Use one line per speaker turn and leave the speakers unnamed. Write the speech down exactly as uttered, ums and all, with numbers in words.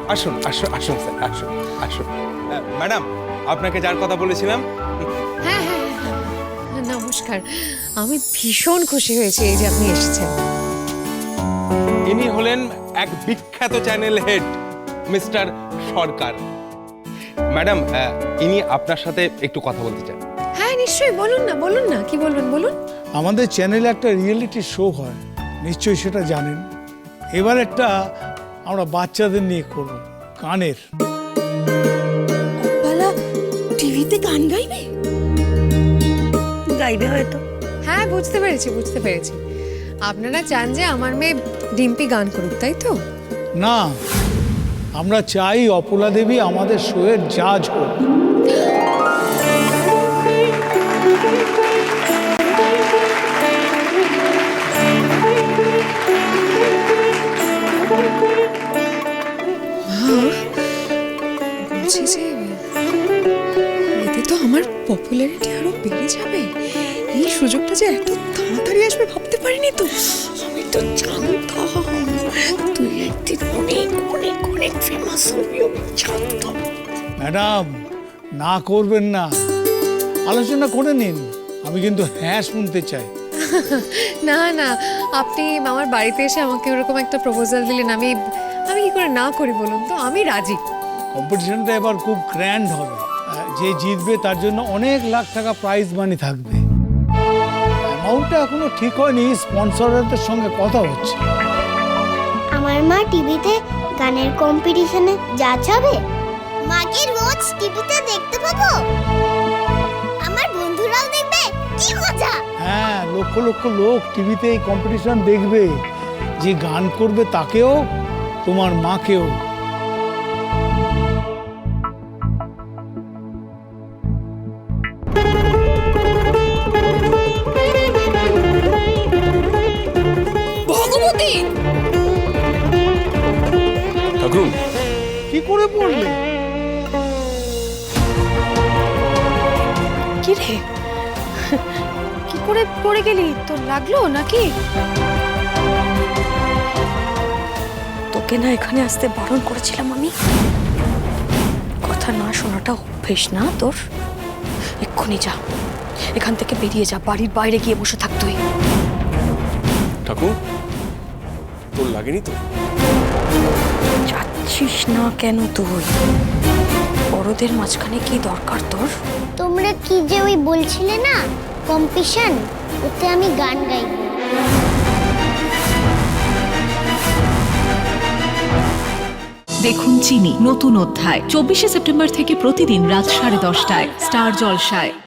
আসুন আসুন আসুন স্যার আসুন আসুন ম্যাডাম আপনাকে যার কথা বলেছিলাম।
হ্যাঁ হ্যাঁ হ্যাঁ, হ্যাঁ, নমস্কার। আমি ভীষণ খুশি হয়েছি এই যে আপনি এসেছেন।
ইনি হলেন এক বিখ্যাত channel head mister Sarkar. Madam ইনি আপনার সাথে একটু কথা বলতে চান।
হ্যাঁ নিশ্চয়ই, বলুন না বলুন না কি বলবেন বলুন।
আমাদের চ্যানেলে একটা রিয়েলিটি শো হয়, নিশ্চয়ই সেটা জানেন। এবার একটা আমরা বাচ্চাদের নিয়ে করব, গানের।
বালা টিভিতে গান গাইবে গাইবে হয়তো।
হ্যাঁ বুঝতে পেরেছি বুঝতে পেরেছি আপনারা চান যে আমার মেয়ে ডিম্পি গান করুক, তাই তো?
না, আমরা চাই অপলা দেবী আমাদের শোয়ের জাজ হোক।
বলছি যে এতে তো আমার পপুলারিটি আরো বেড়ে যাবে। এই সুযোগটা যে এত তাড়াতাড়ি আসবে ভাবতে পারিনি তো।
আমি তো জানতাম তুই একদিন অনেক অনেক অনেক ফেমাস হবি, আমি জানতাম।
ম্যাডাম, না করবেন না, আলোচনা করে নিন। আমি কিন্তু হ্যাঁ শুনতে চাই।
না না, আপনি আমার বাড়িতে এসে আমাকে ওরকম একটা প্রপোজাল দিলেন, আমি আমি কি করে না করি বলুন তো? আমি রাজি।
কম্পিটিশনটা এবার খুব গ্র্যান্ড হবে। আহ, যে জিতবে তার জন্য অনেক লাখ টাকা প্রাইজ মানি থাকবে। অ্যামাউন্টটা এখনো ঠিক হয়নি, স্পন্সরদের সঙ্গে কথা হচ্ছে।
আমার মা টিভিতে গানের কম্পিটিশনে জাজ হবে। মাকে রোজ টিভিতে দেখতে পাবো, আমার বন্ধুরাও দেখবে, কি মজা!
হ্যাঁ, লক্ষ লক্ষ লোক টিভিতে এই কম্পিটিশন দেখবে। যে গান করবে তাকেও, তোমার মাকেও।
ভগবতী
ঠাকুর
কি করে পড়লে?
কি রে, কি করে পড়ে গেলি? তোর লাগলো নাকি? তোকে না এখানে আসতে বারণ করেছিলাম আমি। কথা না শোনাটা অভ্যেস না তোর। এক্ষুনি যা, এখান থেকে বেরিয়ে যা, বাড়ির বাইরে গিয়ে বসে থাক তুই।
ঠাকুর তোর লাগেনি তো?
যাচ্ছিস না কেন তুই? বড়দের মাঝখানে কি দরকার তোর?
তোমরা কি যে ওই বলছিলে না কম্পিটিশন, ওতে আমি গান গাইব।
দেখুন চিনি নতুন অধ্যায় চব্বিশে সেপ্টেম্বর থেকে প্রতিদিন রাত সাড়ে দশটায় স্টার জলসায়।